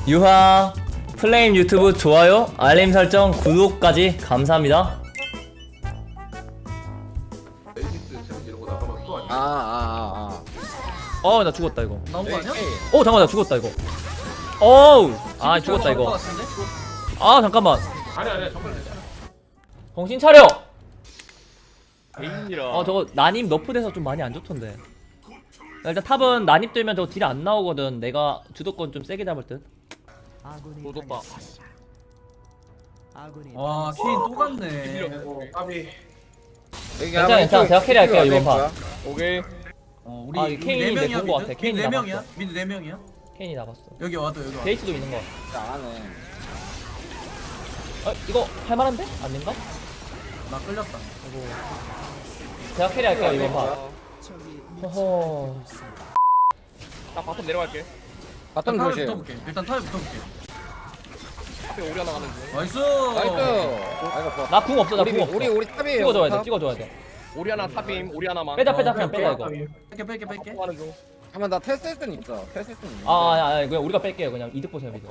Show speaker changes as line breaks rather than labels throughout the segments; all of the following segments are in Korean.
유하 플레임 유튜브 좋아요, 알림 설정, 구독까지 감사합니다.
에이시스 챔 이러고 나가면 또 아니야.
나 죽었다 이거.
나온 거 아니야?
잠깐만 나 죽었다 이거. 어우 죽었다
나온 거
이거.
같은데?
잠깐만
아니야 정말 괜찮아.
정신 차려.
개인이라.
저거 난입 너프돼서 좀 많이 안 좋던데. 일단 탑은 난입 되면 저 딜 안 나오거든. 내가 주도권 좀 세게 잡을 듯.
도도빠.
와 케인 또 갔네.
까비.
괜찮아. 제가 캐리할게요 이번 판.
오케이.
우리
이 케인이
네
내
명이야
본거 같아.
미드?
케인이
미드 네
남았어.
명이야? 미드 네 명이야?
케인이 나갔어.
여기 와도 여기 와.
베이스도 있는 거.
잘하네.
이거 할만한데? 아닌가?
나 끌렸다.
제가 캐리할게요 이번 판. 허허.
나 바텀 내려갈게.
바텀
탑에
조심.
붙어볼게. 일단 탑에 붙어볼게.
앞에 오리 하나 가는 중.
나이스.
나이스. 아이고 좋아.
나 궁 없어. 나 궁 없어.
우리 탑이에요.
찍어줘야 돼.
탑.
찍어줘야 돼.
오리 하나 탑임. 오리 하나만.
빼자 그냥 빼자 이거.
뺄게.
하는 중.
잠깐만 나 테스트는 있어. 테스트는 있는데.
그냥 우리가 뺄게요. 그냥 이득 보세요 이득.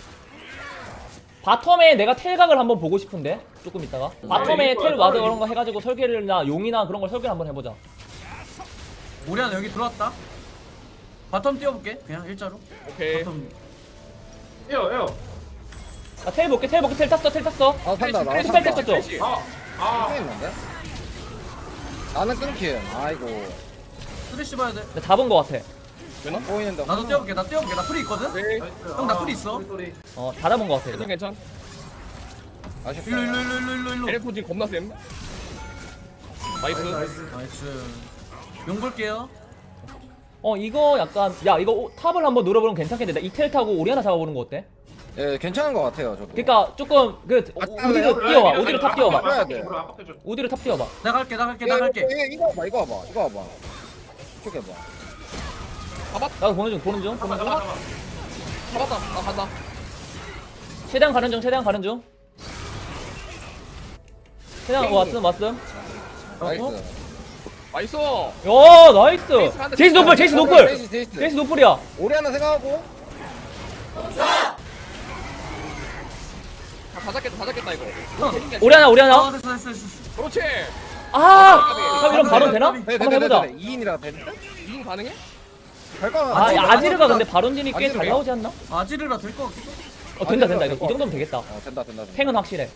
바텀에 내가 텔각을 한번 보고 싶은데 조금 있다가 바텀에 텔 와드 그런 거 해가지고 설계를나 용이나 그런 걸 설계를 한번 해보자.
우리 하나 여기 들어왔다. 바텀 뛰어볼게. 그냥 일자로.
오케이.
바텀.
에어.
텔 볼게 텔 탔어.
아 산다. 나
스트레스
산다.
뺐겠죠?
스트레스.
꽤 있는데? 나는 끊김. 아이고.
쓰레쉬 봐야 돼.
나 잡은 거 같아.
보이는데.
나도 뛰어볼게. 나 풀이 있거든.
오케이.
형, 나 풀이 있어.
다 잡은 거 같아.
괜찮
이거.
괜찮.
아쉽다.
일로.
에레포진 겁나 쌤. 나이스.
나이스. 용 볼게요.
이거 약간 이거 탑을 한번 노려보면 괜찮겠는데 나 이 텔 타고 오리 하나 잡아보는 거 어때?
예, 괜찮은 것 같아요, 저도.
그러니까 조금 우디로 뛰어와. 우디로 탑 뛰어봐.
뛰어야 돼.
우디로 탑 뛰어봐.
나 갈게.
이거 봐봐. 이거 봐봐. 이쪽에 봐.
나도 보는 중.
잡았다. 나 간다.
최대한 가는 중. 최대한 왔음.
나이스.
나이스.
야 나이스. 제이스 노플. 제이스 노플이야.
오리 하나 생각하고.
다 잡겠다 이거.
오리 하나.
됐어.
그렇지.
이런 바론 되나?
네,
한번 해보자.
2인이라 돼.
이긴 가능해?
될까?
아지르가 근데 바론진이 꽤 잘 나오지 않나?
아지르라 될 것 같아.
된다. 이거 이 정도면 되겠다.
된다.
탱은 확실해.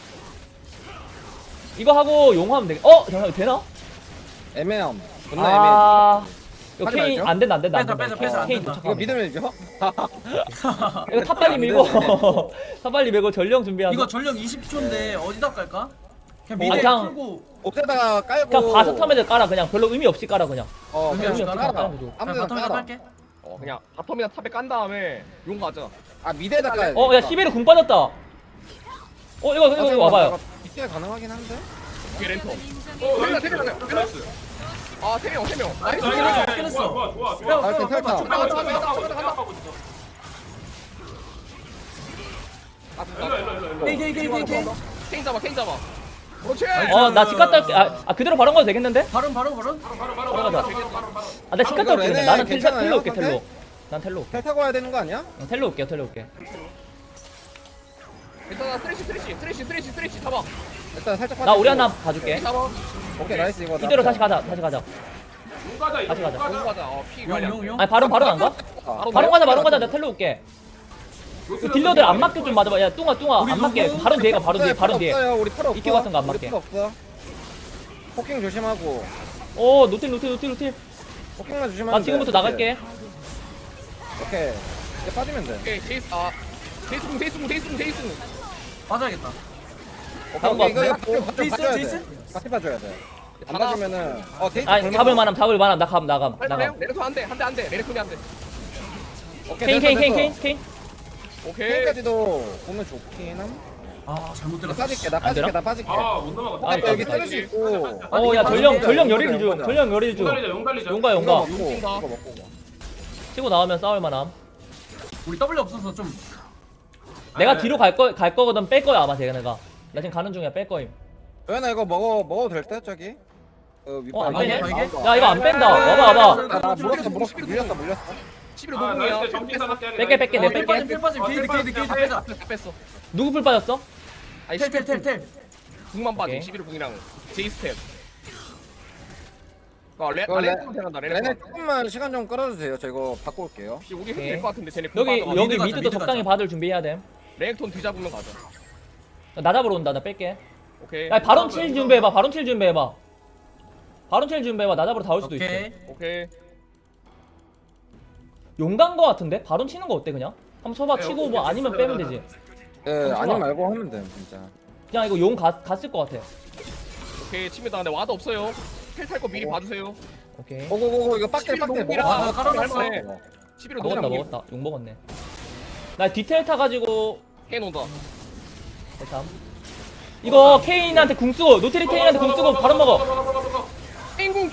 이거 하고 용하면 되겠. 잠깐 되나?
애매함. 존나
이거
하지
케인
말죠.
안 된다.
빼자, 안
케인
된다.
이거
도착하면.
믿음을 줘?
이거 탑 빨리 밀고 탑 빨리 밀고 전령 준비하자.
이거 전력 20초인데 어디다 깔까? 그냥
아,
미드
그냥-
풀고
옥대다가 깔고.
그냥 가서 타면 깔아. 그냥 별로 의미 없이 깔아 그냥.
의미
그냥
없이
깔아.
깔아. 그냥
아무데나
바텀에다
깔아.
깔게.
그냥 바텀이나 탑에 깐 다음에 용 가자.
아 미대에다 깔야 돼.
야 시베르 궁 빠졌다. 이거 와봐요.
이때 가능하긴 한데.
오케이 렌터. 세 명. 아, 세 명. 나이스.
좋아.
아, 일단 탈타.
간다.
게이.
케인 잡아. 그렇지.
나 집 갔다 올게. 그대로 바론 가도 되겠는데?
바로.
바로 가자. 나 집 갔다 올게.
얘네
나는
괜찮아요,
텔로 올게.
상태?
난 텔로.
텔 타고 와야 되는 거 아니야?
텔로 올게.
일단 스트레시 잡아.
일단 살짝
나 우리
빠지고.
하나 봐줄게.
잡아.
오케이 나이스 이거.
이대로 다시 가자.
용 가자. 피 관리.
용.
바론 안 가? 바론 가자. 나 텔로 올게. 그 딜러들 안 맞게 좀 맞아봐. 야 뚱아
우리
안 맞게.
누구?
바론 뒤에 가. 바론 뒤에.
없어요. 우리 팔 없어.
이끼 같은 거안
우리
맞게.
팔 없어. 포킹 조심하고.
노틸.
포킹만 조심하면
나
돼.
지금부터 나갈게.
오케이. 이제 빠지면 돼.
오케이, 제이스 궁.
맞아야겠다.
잡은 거
이거
같은데?
같이
제이슨,
봐줘야
제이슨?
돼. 같이 봐줘야 돼. 안
다
봐주면은 데이트
아니 잡을 만함. 나감.
레르토 한 대. 레르토니 한 대.
오케이.
케인.
오케이.
케인까지도 보면 좋긴 함.
잘못
나
들었어.
빠질게.
안
나 빠질게.
못 넘어갔다.
아니,
여기
나
쓰레수 있고.
야 전령
맞아.
열일 중.
용 달리자.
용가.
이거 먹고
용
이거
뛴다.
먹고.
치고 나오면 싸울 만함.
우리 W 없어서 좀
내가 뒤로 갈 거거든. 뺄 거야 아마 내가. 나 지금 가는 중이야. 뺄 거임.
도현아 이거 먹어도 될 때 저기.
안
빼네?
빼네?
이게?
야 이거 안 뺀다. 와봐.
나 물렸어.
11호
아,
노공이야.
나 정신 사납게 하게.
뺄게, 뺄게, 내
필 빠짐 필 빠짐 게이드 빼자.
다 뺐어.
누구 풀 빠졌어?
아니
텔.
궁만 빠짐.
오케이.
11호 궁이랑 제이스텝. 레
이거
생각난다.
레네 조금만 시간 좀 끌어주세요. 저 이거 바꿔 올게요.
우리
오케이.
해도 될것 같은데 쟤네 궁
여기
빠져.
여기
미드 가자,
미드도
미드
적당히
가자.
받을 준비해야 돼.
랭톤 뒤잡으면 가자.
나 잡으러 온다. 나 뺄게.
오케이.
야 바론 칠 준비해봐. 바론 칠 준비해봐. 바론 칠 준비해봐. 나 잡으러 다 올 수도 있어.
오케이.
오케이.
용간 거 같은데? 바론 치는 거 어때 그냥? 한번 쳐봐.
네,
치고
오케이,
뭐
오케이.
아니면 빼면 되지.
예, 아니 말고 하면 돼 진짜.
그냥 이거 용 갔을 것 같아.
오케이 칩니다. 근데 와도 없어요. 텔 탈 거 미리 봐주세요.
오케이.
고고고고 이거 빡대 빡대
농구랑
아, 깔아놨어.
11호
먹었다
노공
먹었다. 용 먹었네. 나 디테일 타가지고
해놓는다.
대참. 이거 케인한테 궁 쓰고 노트리 케인한테 궁 쓰고 바로 먹어.
케인궁.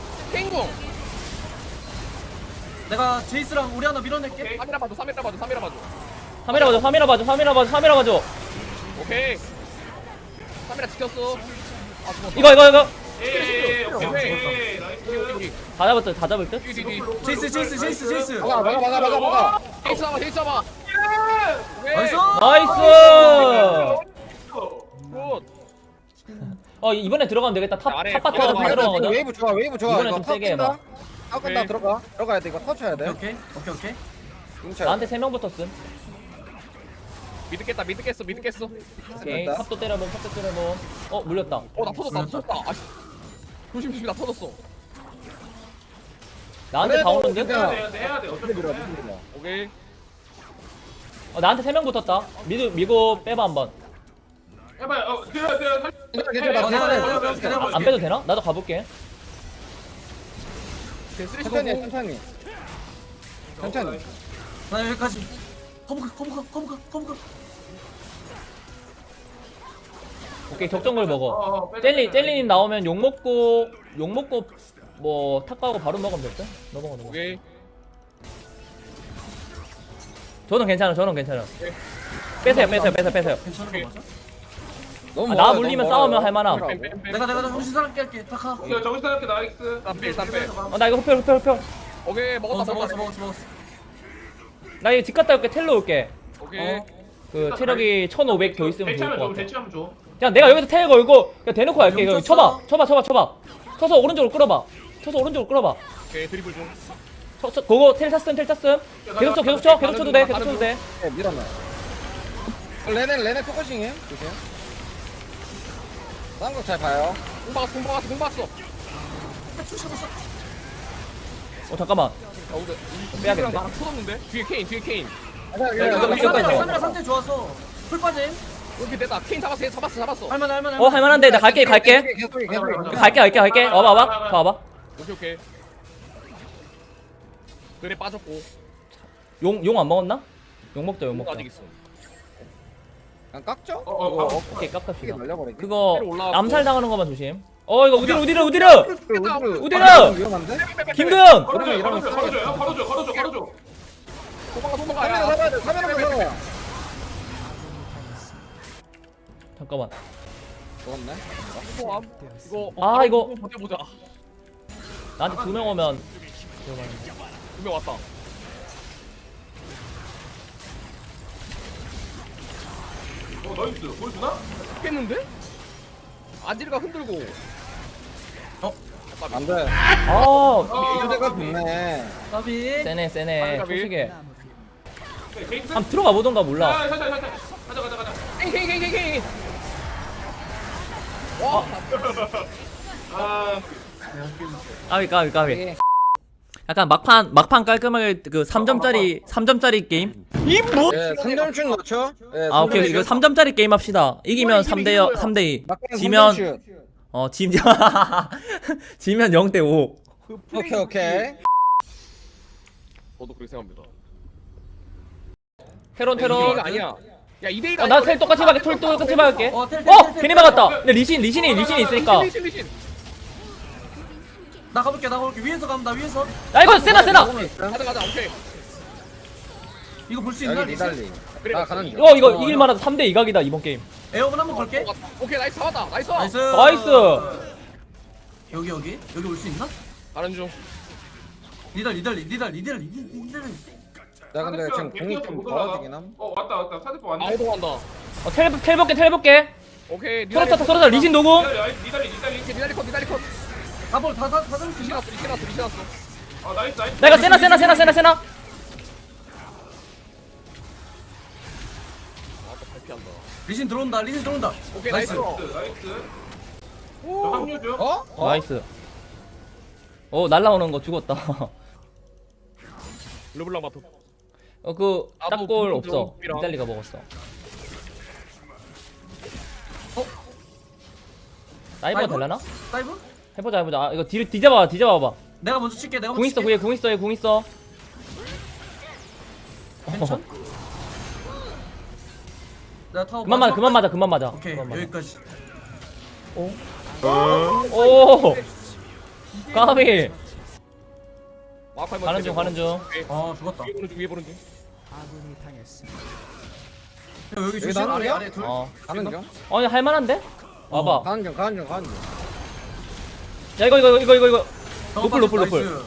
내가 제이스랑 우리 하나 밀어낼게.
3이라 봐줘.
카메라 봐줘. 카메라 봐줘.
오케이. 3이라 지켰어. 아 죽었다.
이거
예, 오케이. 나이스.
다 잡을 듯?
제이스.
막아.
제이스 잡아.
나이스.
나이스.
굿.
이번에 들어가면 되겠다.
아래,
탑바텀 다 들어가거든.
웨이브 좋아.
이번엔
이거
좀 세게 해봐.
탑 끈다 들어가야 돼. 이거 터쳐야 돼.
오케이.
뭉쳐야
나한테 3명 붙었음.
미드 깼어.
오케이.
됐다.
탑도 때려봄. 물렸다.
나 터졌다. 아씨. 조심 나 터졌어.
나한테 다 오는 듯?
해야 돼. 어차피
밀어.
오케이.
나한테 3명 붙었다. 미고 빼봐 한번.
해봐요.
괜찮아.
안 빼도 되나? 나도 가볼게.
천천히.
나 여기까지. 거부가.
오케이 적정글 먹어. 젤리님 나오면 욕 먹고 뭐 탁 가고 바로 먹으면 될 듯? 너 먹어.
오케이.
저는 괜찮아. 빼세요.
괜찮은 거 맞아?
너무
나 물리면 싸우면 할만함.
내가 정신 사납게 할게. 타카.
정신 사납게 나이스.
땀빼.
나 이거 흡혈.
오케이 먹었다.
먹었어.
나 이거 집 갔다 올게. 텔로 올게.
오케이.
그 체력이 1500 더 있으면 좋을
대치하면
것
줘.
같아.
대치하면 줘.
그냥 내가 여기서 텔 걸고 그냥 대놓고 갈게. 이거
쳤어.
쳐봐. 쳐서 오른쪽으로 끌어봐.
오케이 드리블 중.
그거 텔 탔음. 계속 쳐도 돼.
네, 밀어놔. 레네 포커싱해. 조심. 쌍거 잘 봐요.
공 박았어.
잠깐만. 빼야겠네.
나랑 터졌는데. 뒤에 케인.
카메라 상태 좋아서 풀 빠짐.
이렇게 됐다. 케인 잡았어.
할만해.
할만한데 나 갈게.
계속.
갈게. 와봐.
오케이. 그래 빠졌고.
용 안 먹었나? 용 먹자.
아직 있어.
그냥 깎죠?
오케이
크게
깝깝시다.
날려버리게.
그거
올라왔고.
암살 당하는 것만 조심. 이거 우디르.
위험한데?
김도현.
걸어줘.
도망가.
카메라 잡아야 돼. 카메라 잡아.
잠깐만.
죽었네.
이거.
이거.
버텨보자.
나한테 2명 오면
2명 왔다.
나이스. 보여주나?
깼는데? 아지르가 흔들고.
안 돼. 이주대가 좋네.
까비.
세네.
가비.
초식에.
게이트.
한번 들어가 보던가 몰라.
살짝. 가자.
케인. 와.
까비. 약간 막판 깔끔하게 그 3점짜리 게임.
예, 3점슛 넣죠? 예,
오케이. 이거 3점짜리 게임 합시다. 이기면 3대2. 지면 지면 0대5.
오케이.
저도 그렇게 생각합니다.
테론.
이거 아니야. 야 2대1
나 텔 똑같이 박을게.
텔.
괜히 막았다. 근데 리신이 있으니까.
리신.
나 가볼게. 위에서 가면 나 위에서.
야 이거 세나.
가자. 오케이.
이거 볼 수 있나?
여기 니달리. 나 가는 중.
이거 이길 만하다. 3대 2각이다 이번 게임.
에어본 한번 걸게.
오케이 나이스 잡았다. 나이스.
나이스.
여기 올 수 있나?
가는 중.
리들.
나 근데 지금 공이 좀 벌어지긴 함.
왔다 사대포 왔네.
아우도 간다.
텔 볼게.
오케이.
털었다 리신 노공.
니달리.
니달리 컷.
다볼 다 잡을 수 있어.
리신 났어.
아 나이스.
나 이거 세나.
아또 발피한다.
리신 들어온다.
오케이 나이스.
나이스. 저 합류죠.
어?
나이스. 날라오는 거 죽었다.
르블랑 바텀.
그
나도
딱골
부분
없어.
좀
이달리가 먹었어. 다이버가
다이버?
되려나?
다이브?
해보자. 아, 이거 뒤져봐봐.
내가 먼저 칠게.
궁 있어, 궁 있어.
괜찮? 내가 타워
그만 맞아.
오케이
그만 맞아.
여기까지.
오! 까비!
마우카이만
가는 중.
죽었다.
위에 보는 중.
여기
여기
조심.
나는 거야?
아래 둘.
가는 중.
아니, 할만한데? 와봐.
가는 중.
야, 이거.
정원
노플.
나이스.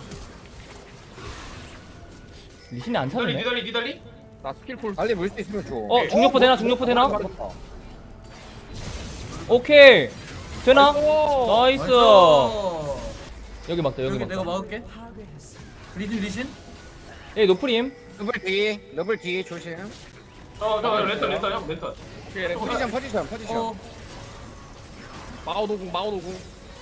리신이 안 차네.
니달리.
나 스킬풀.
빨리 물 수 있으면 줘.
중력포 되나?
맞았다.
오케이. 되나?
나이스.
나이스. 여기 막다.
여기 내가 막을게. 리신.
예, 노프림.
러블 뒤 조심.
저 렌터 형 렌터.
오케이 렌
포지션.
마오 노궁.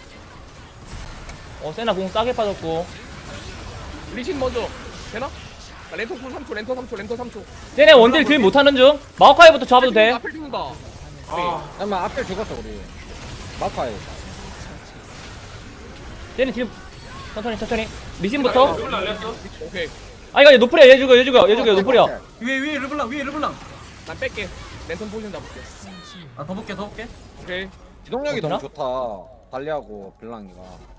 세나 공 싸게 빠졌고.
리신 먼저. 되나? 나 렌터 3초.
쟤네 원딜 딜 못하는 중. 마오카이부터 잡아도 돼.
앞을 죽는다.
아
잠깐만 앞에 죽었어 우리. 마파이.
쟤네 딜 천천히. 리신부터.
르블 날렸어.
오케이.
아, 이거 노플이야. 얘 죽여. 노플이야.
위에 르블랑.
난 뺄게. 랜턴 포지션 잡을게.
더 볼게.
오케이.
기동력이
되나?
너무 좋다. 발리하고 블랑이가.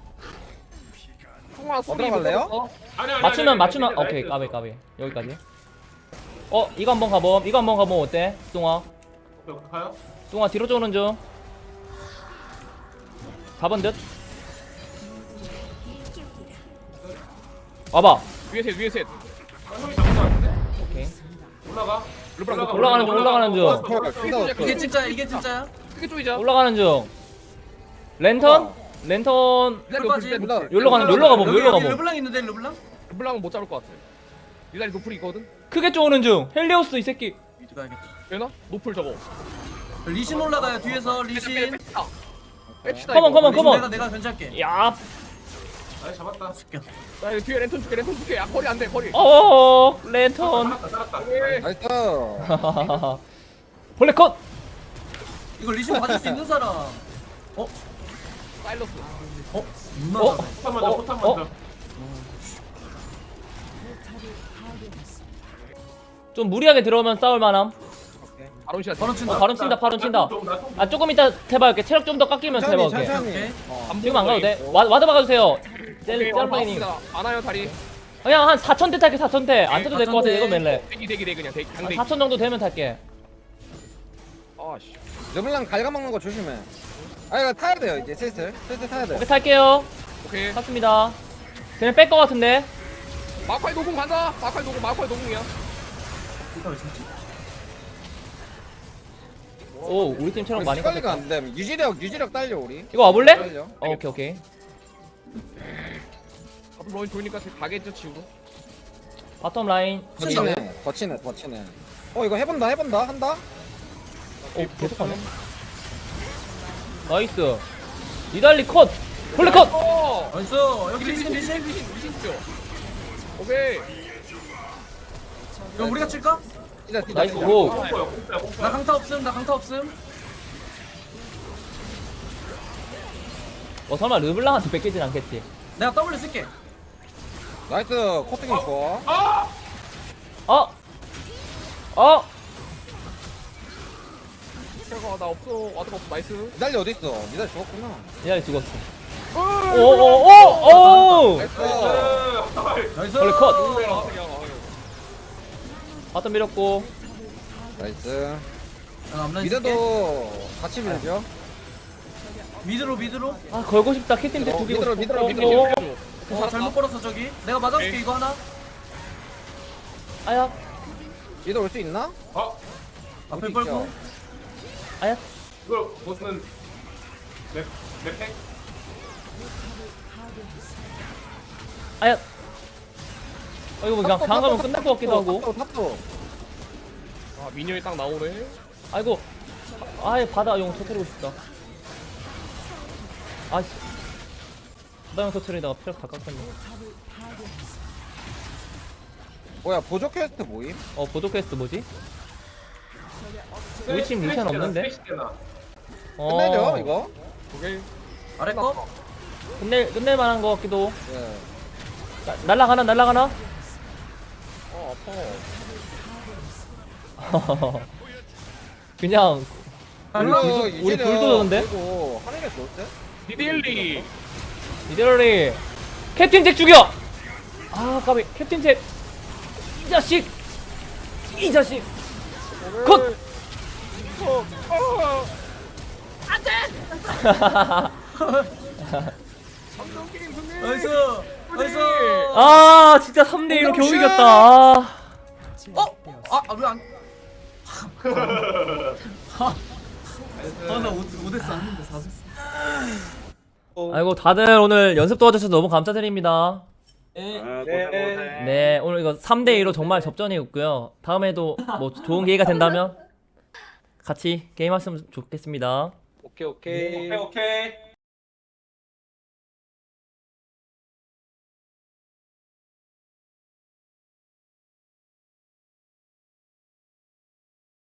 통화 소리
들어갈래요?
못
아니.
맞추면 오케이. 까비. 여기까지. 이거 한번 가봄. 어때? 뚱아.
가요?
뚱아 뒤로 쪼는 중. 가본 듯. 와봐.
위에 셋.
형이 잡은 거 같은데?
오케이.
올라가.
올라가는 중.
이게 진짜야?
크게 쪼이자.
올라가는 중. 랜턴.
니달리
나-
여기로 가봄.
르블랑 있는데 르블랑?
르블랑은 못 잡을 것 같아. 니달리 노플이 있거든.
크게 쪼는 중. 헬리오스 이 새끼.
미드 가야겠다.
되나? 노플 저거.
리신 올라가요. 뒤에서 리신.
뺍시다.
컴온.
리신 내가 견제할게.
야.
아니 잡았다.
나 이거 뒤에 랜턴 줄게. 야 거리 안 돼. 거리.
랜턴.
살았다.
오케이.
나이스.
벌레 컷.
이거 리신 받을 수 있는 사람.
사일러스.
누나.
포탄 먼저.
좀 무리하게 들어오면 싸울 만함.
바론 시야.
바로 친다.
바로 친다. 아, 조금 이따 해봐올게. 체력 좀 더 깎이면 해봐올게.
오케이.
지금 안 가도 돼. 와드 박아주세요. 셀라이님.
안와요 다리.
그냥 한 4,000대 탈게. 4,000대. 안 타도 될 것 같아. 이거 멜레.
대기 그냥 대기.
한
강대기.
4,000 정도 되면 탈게.
아씨.
르블랑 갉아먹는 거 조심해. 아 이거 타야 돼요 이제 슬슬 타야 돼.
오케이, 탈게요.
오케이.
탔습니다. 쟤네 뺄 것 같은데.
마카이 노궁 간다. 마카이 노궁이야.
이거 왜 진짜?
오, 우리 팀 체력 많이
관리가
깎였다.
안 돼. 유지력 딸려 우리.
이거 와볼래?
딸려.
오케이.
앞으로 로인 돌니까 가겠죠 지우고.
바텀 라인.
거치네. 이거 해본다. 한다.
오, 계속 하네. 나이스. 니달리 컷. 벌레 컷.
나이스. 여기 리신.
리신 죠. 오케이.
이거 우리가 칠까?
뛰자.
나이스. 오.
나 강타 없음.
설마 르블랑한테 뺏기진 않겠지.
내가 W 쓸게.
나이스. 코팅이 좋아.
나 없어. 와드가 없어. 나이스.
니달리 어디 있어? 니달리 죽었구나.
니달리 죽었어. 오.
나이스.
나이스.
벌레 컷. 바텀 밀었고.
나이스.
나 앞라인 쓸게.
미드도 같이 밀죠.
미드로.
아 걸고 싶다. 캡틴 때 죽이고 싶어.
미드로.
잘못 걸었어 저기. 내가 맞아줄게 이거 하나.
아야
얘도 올 수 있나?
어?
앞에
어디
뻘고.
있죠?
아야.
이걸 보스는 맵팩?
아야. 이거 뭐 그냥 당하면 끝날 것 같기도 하고.
탑도.
아 미니언이 딱 나오네.
아이고. 아예 바다 용 터뜨리고 싶다. 아씨. 바다 용 터뜨리다가 피력 다 깎았네.
뭐야 보조 퀘스트 뭐임?
보조 퀘스트 뭐지? 우리 팀 리션 없는데?
끝내죠 이거?
오케이.
아래 거?
끝낼 만한 것 같기도.
예.
날라가나?
아파.
그냥 우리 불도 도는데?
그리고 하늘에 좋을 때?
디딜리.
이대로리 캡틴 잭 죽여! 아 까비 캡틴 잭 이 자식! 이 자식! 컷!
나이스.
아 진짜 3대2로 겨우 이겼다. 아.
왜 안? 나 5대스 아닌데 4대스.
아이고 다들 오늘 연습 도와주셔서 너무 감사드립니다. 네 오늘 이거 3대2로 정말 접전이었고요. 다음에도 뭐 좋은 기회가 된다면 같이 게임하시면 좋겠습니다.
오케이.
오케이.